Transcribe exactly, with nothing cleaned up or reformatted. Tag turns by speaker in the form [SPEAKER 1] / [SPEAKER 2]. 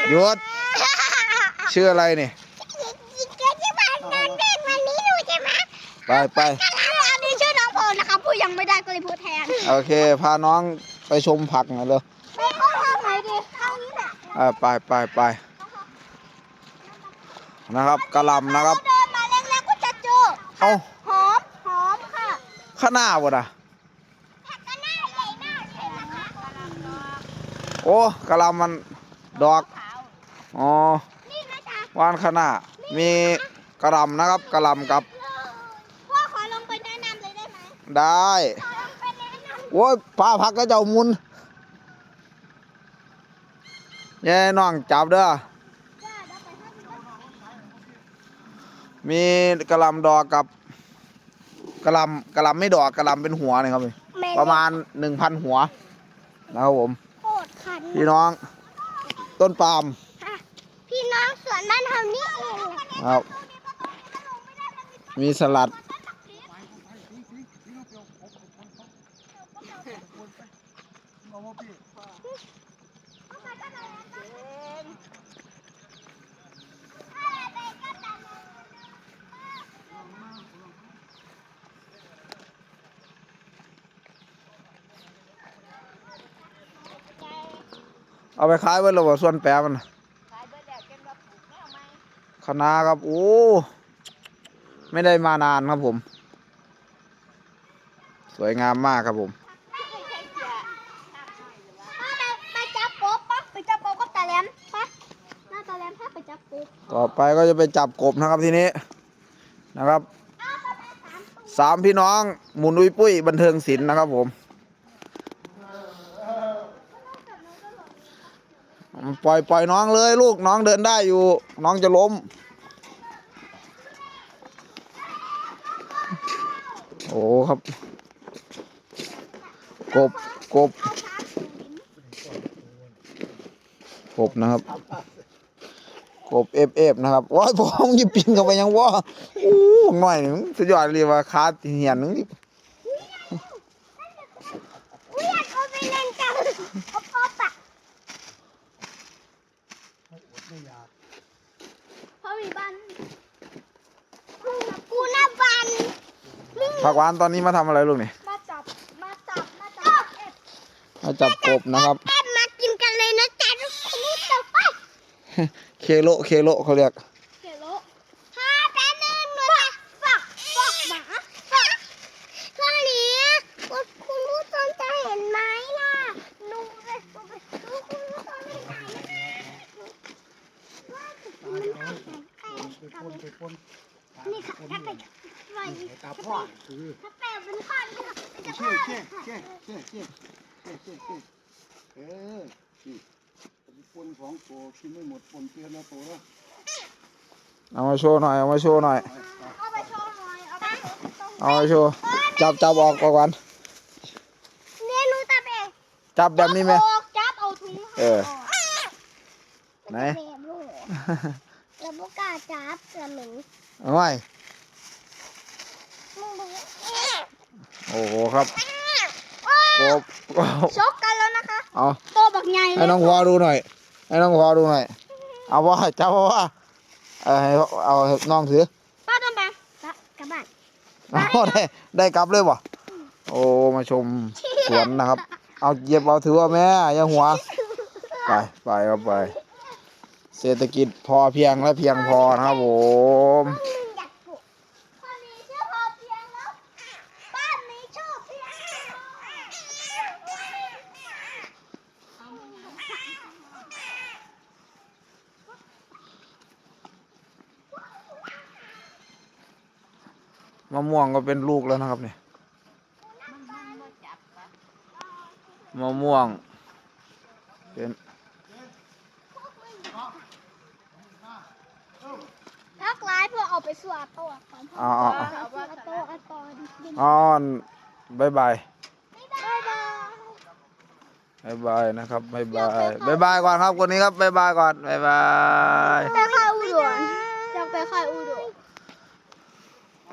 [SPEAKER 1] หยุดชื่ออะไรนี่ไปไป
[SPEAKER 2] อันนี้ชื่อน้องพลนะครับพูดยังไม่ได้ก็เลยพูดแทน
[SPEAKER 1] โอเคพาน้องไปชมผักหน่อยเลย
[SPEAKER 2] ไปเข้าทางไหนดีทางนี้แหละ
[SPEAKER 1] อ่าไปไปไปนะครับกระลำนะครับ
[SPEAKER 2] เดินมาเล็กๆก็จะเจอ
[SPEAKER 1] เอ้า
[SPEAKER 2] หอมหอมค่ะ
[SPEAKER 1] ข้างหน้าบ่นะ
[SPEAKER 2] ผักกระหน้าใหญ่มากเลยนะคะ
[SPEAKER 1] โอ้กระลำมันดอกอ๋อวานข้างหน้ามีกระลำนะครับกระลำกับ
[SPEAKER 2] พ่อขอลงไปแนะนำเลยได้ไหม
[SPEAKER 1] ได้โอ้ยพาพักก็เจ้ามุนแย่น้องจับเด้อมีกระลำดอกกับกระลำกระลำไม่ดอกกระลำเป็นหัวนี่ครับประมาณหนึ่งพันหัวนะครับผมพี่น้องต้นปาล์ม
[SPEAKER 2] พี่น้องสวนบ้านเฮานี่เอง
[SPEAKER 1] ครับมีสลัดเอาไปขายไว้หรือว่าส่วนแปรมันคณะครับโอ้ไม่ได้มานานครับผมสวยงามมากครับผม
[SPEAKER 2] ไปจับกบปะไปจับกบก็ตาแหลมปะหน้าตาแหลมถ้าไปจับกบ
[SPEAKER 1] ต่อไปก็จะไปจับกบนะครับทีนี้นะครับสามพี่น้องหมุนอุ้ยปุ้ยบันเทิงศิลป์นะครับผมปล่อยปล่อยน้องเลยลูกน้องเดินได้อยู่น้องจะล้มโอ้ครับกบกบกบนะครับกบเอฟเอฟนะครับว้ายพองยิบปินเข้าไปยังว่าโอ้หน่อยหนึ่งสุดยอดเลยว่าคาเหียนหนึ่งนี่ผักหวานตอนนี้มาทำอะไรลูกนี่
[SPEAKER 2] มาจับมาจับมาจับ
[SPEAKER 1] มาจับกบนะครับ
[SPEAKER 2] มากินกันเลยนะจ๊ะทุกคนจับไป
[SPEAKER 1] เคโลเคโลเขาเรียก
[SPEAKER 2] เคโลฮ่าแป๊บนึงหนูจะฝักฝักหมาฝักข้อนี้คุณผู้ชมจะเห็นไหมล่ะหนูเลยคุณผู้ชมไม่ถ่ายนี่ค่ะถ้าไป
[SPEAKER 3] ตาพ่อคือ
[SPEAKER 2] ถ้าแปลเป็นข้อนี้ค่ะ
[SPEAKER 3] เชี่ยเชี่ยเชี่ยเชี่ยเชี่ยเชี่ยเชี่ยเชี่ยเออนี่ปนของโตกินไม่หมดปนเตี้ยแล้วโตแล้ว
[SPEAKER 1] เอามาโชว์หน่อยเอามาโชว์หน่อย
[SPEAKER 2] เอาไปโชว์หน่อยเอาไปโชว์
[SPEAKER 1] เอามาโชว์จับจับออกก่อน
[SPEAKER 2] เนี่ยหนูจับเอง
[SPEAKER 1] จับแบบนี้ไหม
[SPEAKER 2] จับเอาถุง
[SPEAKER 1] เออไหน
[SPEAKER 2] แล้วพวกกาจับกระหนึ่ง
[SPEAKER 1] เอาไว้โอ้โหครับกบ
[SPEAKER 2] ชกกันแล้วนะคะ
[SPEAKER 1] เอา
[SPEAKER 2] โตบักใหญ่
[SPEAKER 1] ให้น้องพอดูหน่อยให้น้องพอดูหน่อยเอาว่าจับว่าเออให้เอาน้องถือ
[SPEAKER 2] ป้าต้องไปกลับบ้าน
[SPEAKER 1] เอาได้ได้กลับเลยบ่โอ้มาชมสวนนะครับเอาเย็บเอาถือว่าแม่ยังหัวไปไปครับไปเศรษฐกิจพอเพียงและเพียงพอนะครับผมมะม่วงก็เป็นลูกแล้วนะครับเนี่ยมะม่วงเป็น
[SPEAKER 2] ทักไลน์เพื่อเอาไปสวดตัวก่อน
[SPEAKER 1] อ๋อ
[SPEAKER 2] อ๋อ
[SPEAKER 1] อ๋อบายบายบายบายนะครับบายบายบายบายก่อนครับคนนี้ครับบายบายก่อนบายบาย
[SPEAKER 2] ไปค่ะอุดร